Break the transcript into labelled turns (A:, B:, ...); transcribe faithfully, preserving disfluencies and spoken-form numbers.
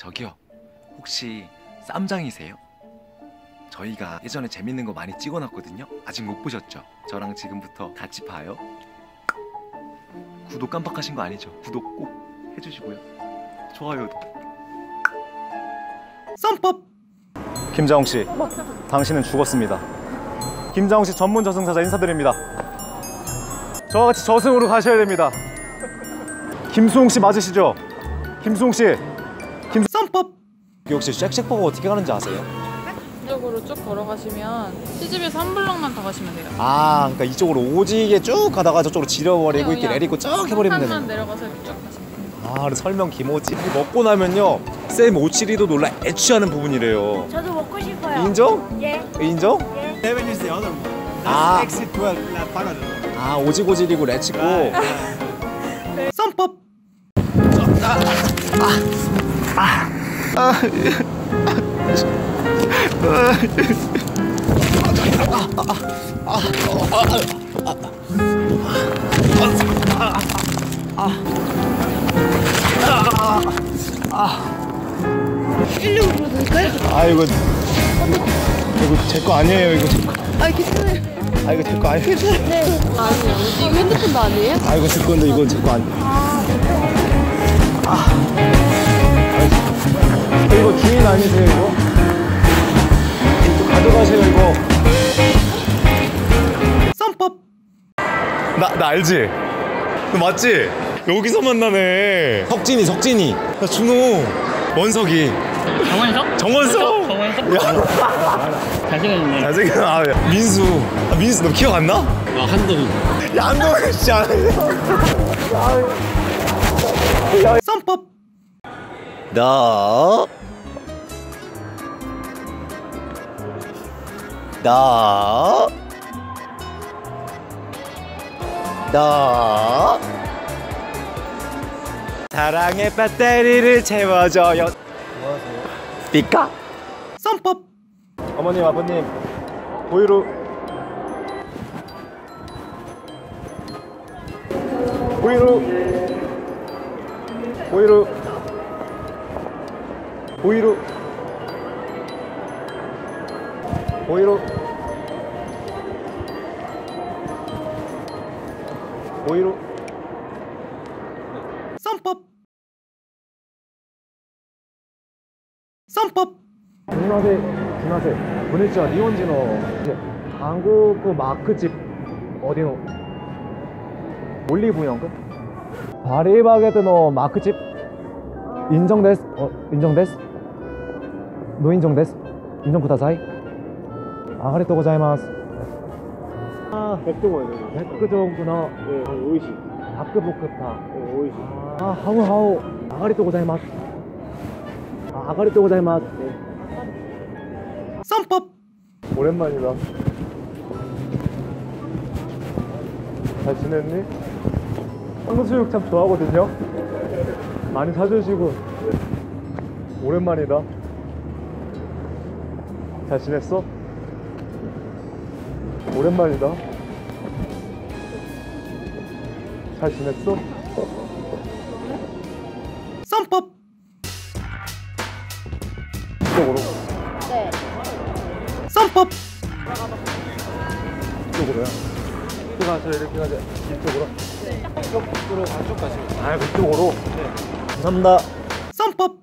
A: 저기요, 혹시 쌈장이세요? 저희가 예전에 재밌는 거 많이 찍어놨거든요. 아직 못 보셨죠? 저랑 지금부터 같이 봐요. 구독 깜빡하신 거 아니죠? 구독 꼭 해주시고요. 좋아요도. 쌈법!
B: 김자홍씨, 당신은 죽었습니다. 김자홍씨 전문 저승사자 인사드립니다. 저와 같이 저승으로 가셔야 됩니다. 김수홍씨 맞으시죠? 김수홍씨, 김... 쌈법! 혹시 쉑쉑버거 어떻게 가는지 아세요?
C: 이쪽으로 쭉 걸어가시면 시집에서 한 블럭만 더 가시면 돼요.
B: 아, 그러니까 이쪽으로 오지게 쭉 가다가 저쪽으로 지려버리고
C: 네,
B: 이렇게
C: 그냥
B: 내리고 쭉 해버리면 되는
C: 한칸만
B: 거예요.
C: 내려가서 이렇게 쭉 가시면 돼요.
B: 아, 설명 김오지. 먹고 나면요, 쌤 오칠이도 놀라 애취하는 부분이래요.
D: 저도 먹고 싶어요.
B: 인정?
D: 예.
B: 인정?
D: 예.
E: Seven is the other one. That's
B: Ah.
E: exit twelve, La Parallel.
B: 아, 오지고지리고 레츠고. 쌈법!
D: 일로 부르실까요?
B: 아, 이거 이거 제 거 아니에요. 이거 제 거.
D: 아, 괜찮아요.
B: 아, 이거 제 거 아니에요.
D: 네. 아니요. 이거 핸드폰도 아니에요?
B: 아, 이거 제 건데 이건 제 거 아니에요. 아, 이거 주인 아니세요, 이거? 이거 가져가세요, 이거. 쌈법. 나, 나 알지? 너 맞지? 여기서 만나네. 석진이, 석진이. 나 준호. 원석이.
F: 정원석?
B: 정원석.
F: 정원석?
B: 야,
F: 잘생겼네.
B: 잘생긴. 아, 민수. 아, 민수 너 기억 안 나?
F: 아, 한동훈.
B: 야, 안동현 씨 아니야. 쌈법. 너. 너. 너. 사랑의 배터리를 채워줘요. 뭐하세요? 삐까? 쌈법. 어머님, 아버님, 보이루. 보이루. 보이루. 보이루. 보이루. 보이루. 쌈법. 쌈법. 중나세, 중나세. 보냈죠. 니혼지노. 이제 한국 그 마크집 어디노? 올리브영 그? 바리바게뜨노 마크집 인정데스. 어, 인정데스. 노 인정데스. 인정 쿠다사이. 아가리또 고자이마스. 아, 백종원. 백종원の 美味しい。닭볶음탕.美味しい。아, 하우 하우. 아가리또 고자이마스. 아, 아가리또 고자이마스. 쌈법. 오랜만이다. 잘 지냈니? 탕수육 참 좋아하거든요. 많이 사주시고. 오랜만이다. 잘 지냈어? 오랜만이다. 잘 지냈어? 쌈법. 이쪽으로.
D: 네.
B: 쌈법. 이쪽으로요. 이쪽 가서 이렇게 가자. 이쪽으로. 네. 이쪽으로 안쪽 가시고. 아, 그쪽으로. 네. 감사합니다. 쌈법.